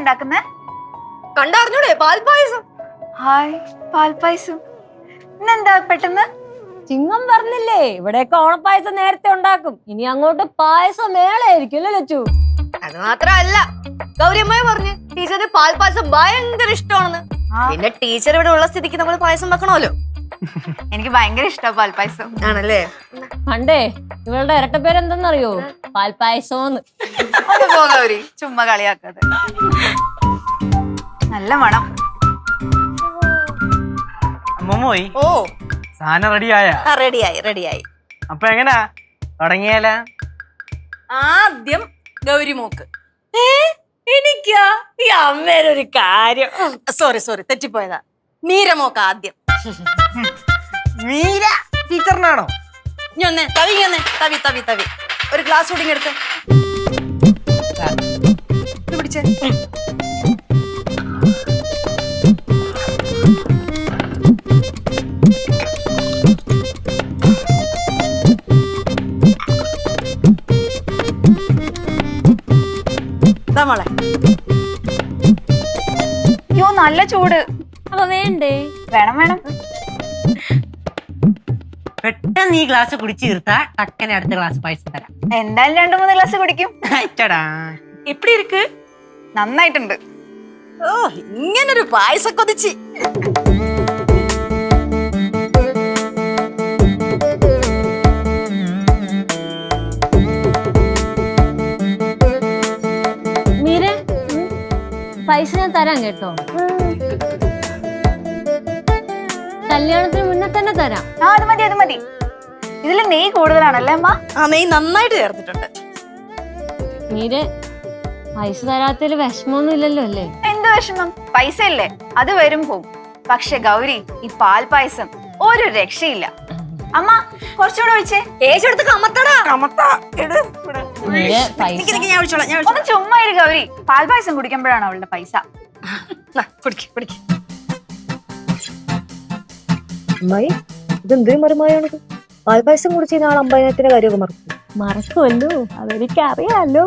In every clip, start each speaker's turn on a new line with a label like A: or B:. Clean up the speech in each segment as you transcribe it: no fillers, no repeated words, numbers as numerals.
A: ഉണ്ടാക്കുന്നേ?
B: കണ്ടറിഞ്ഞൂടെ? പാൽപായസം.
A: Hi, പാൽപായസം. ഇന്നെന്താ പെട്ടെന്ന്?
C: ചിങ്ങം പറഞ്ഞില്ലേ, ഇവിടെയൊക്കെ ഓണപ്പായസം നേരത്തെ ഉണ്ടാക്കും. ഇനി അങ്ങോട്ട് പായസം മേളായിരിക്കും അല്ലേ ലച്ചു?
B: അത് മാത്രല്ല, ഗൗരിയമ്മയെ പറഞ്ഞു ടീച്ചറിന് പാൽപായസം ഭയങ്കര ഇഷ്ടമാണെന്ന്. പിന്നെ ടീച്ചർ ഇവിടെ ഉള്ള സ്ഥിതിക്ക് നമ്മൾ പായസം വെക്കണമല്ലോ.
A: എനിക്ക് ഭയങ്കര ഇഷ്ടമാണ് പാൽപായസം.
B: ആണല്ലേ?
C: പണ്ടേ ഇവളുടെ ഇരട്ടപ്പേര് എന്തെന്നറിയോ? പാൽപായസോന്ന്.
A: ഒന്ന് പോ ഗൗരി, ചുമ്മാ കളിയാക്കാതെ. നല്ല മണം.
D: അമ്മമ്മോയി
B: ഓ,
D: സാധനം റെഡിയായ?
B: റെഡിയായി.
D: അപ്പൊ എങ്ങനാ തുടങ്ങിയാല?
B: ആദ്യം ഗൗരിമോക്ക്. എനിക്കാ? ഈ അമ്മേരൊരു കാര്യം. സോറി തെറ്റിപ്പോയതാ. മീരമോക്ക് ആദ്യം.
D: മീര ടീച്ചറിനാണോ?
B: തവി ഒരു ഗ്ലാസ് കൂടി എടുത്ത് പിടിച്ചേ. മോളെ,
A: അയ്യോ നല്ല ചൂട്.
C: അപ്പൊ വേണ്ടേ?
A: വേണം.
E: പെട്ടെന്ന് ഈ ഗ്ലാസ് കുടിച്ചു തീർത്താ ടക്കനെ അടുത്ത ഗ്ലാസ് പായസം തരാം.
A: എന്തായാലും 2-3 ഗ്ലാസ് കുടിക്കും.
B: എപ്പിടി ഇருக்கு?
A: നന്നായിട്ടുണ്ട്.
B: ഓ, ഇങ്ങനൊരു പായസം കൊതിച്ച്.
C: മീരെ, പൈസ ഞാൻ തരാം കേട്ടോ. കല്യാണത്തിന് മുന്നേ തന്നെ തരാം.
A: അത് മതി. ഇതില് നെയ്യ് കൂടുതലാണല്ലേ അമ്മ?
B: ആ, നെയ്യ് നന്നായിട്ട് ചേർത്തിട്ടുണ്ട്.
C: മീരെ, പൈസ തരാത്തതിൽ വിഷമമൊന്നും ഇല്ലല്ലോ അല്ലേ?
A: എന്ത് വിഷമം? പൈസ ഇല്ലേ, അത് വരും പോവും. പക്ഷെ ഗൗരി, ഈ പാൽപായസം ഒരു രക്ഷയില്ല. അമ്മ കുറച്ചുകൂടെ ഒഴിച്ചേ.
B: കേശെടുത്ത് കമത്തടാ.
C: മീരെ, പൈസ
B: ഞാൻ ഒഴിച്ചോളാം.
A: ഒന്ന് ചുമ്മാ ഇരു ഗൗരി. പാൽപായസം കുടിക്കുമ്പോഴാണ് അവളുടെ പൈസ.
B: കുടിക്ക്.
F: അമ്മായി, ഇതെന്തൊരു മറിമായാണിത്? പാൽപായസം കുടിച്ച് നാളെ 50,000 കാര്യമൊക്കെ
C: മറക്കുമല്ലോ, അതെനിക്കറിയാലോ.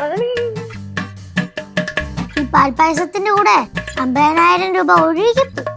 G: ഈ പാൽപായസത്തിന്റെ കൂടെ 50,000 രൂപ ഒഴുകിപ്പോയി.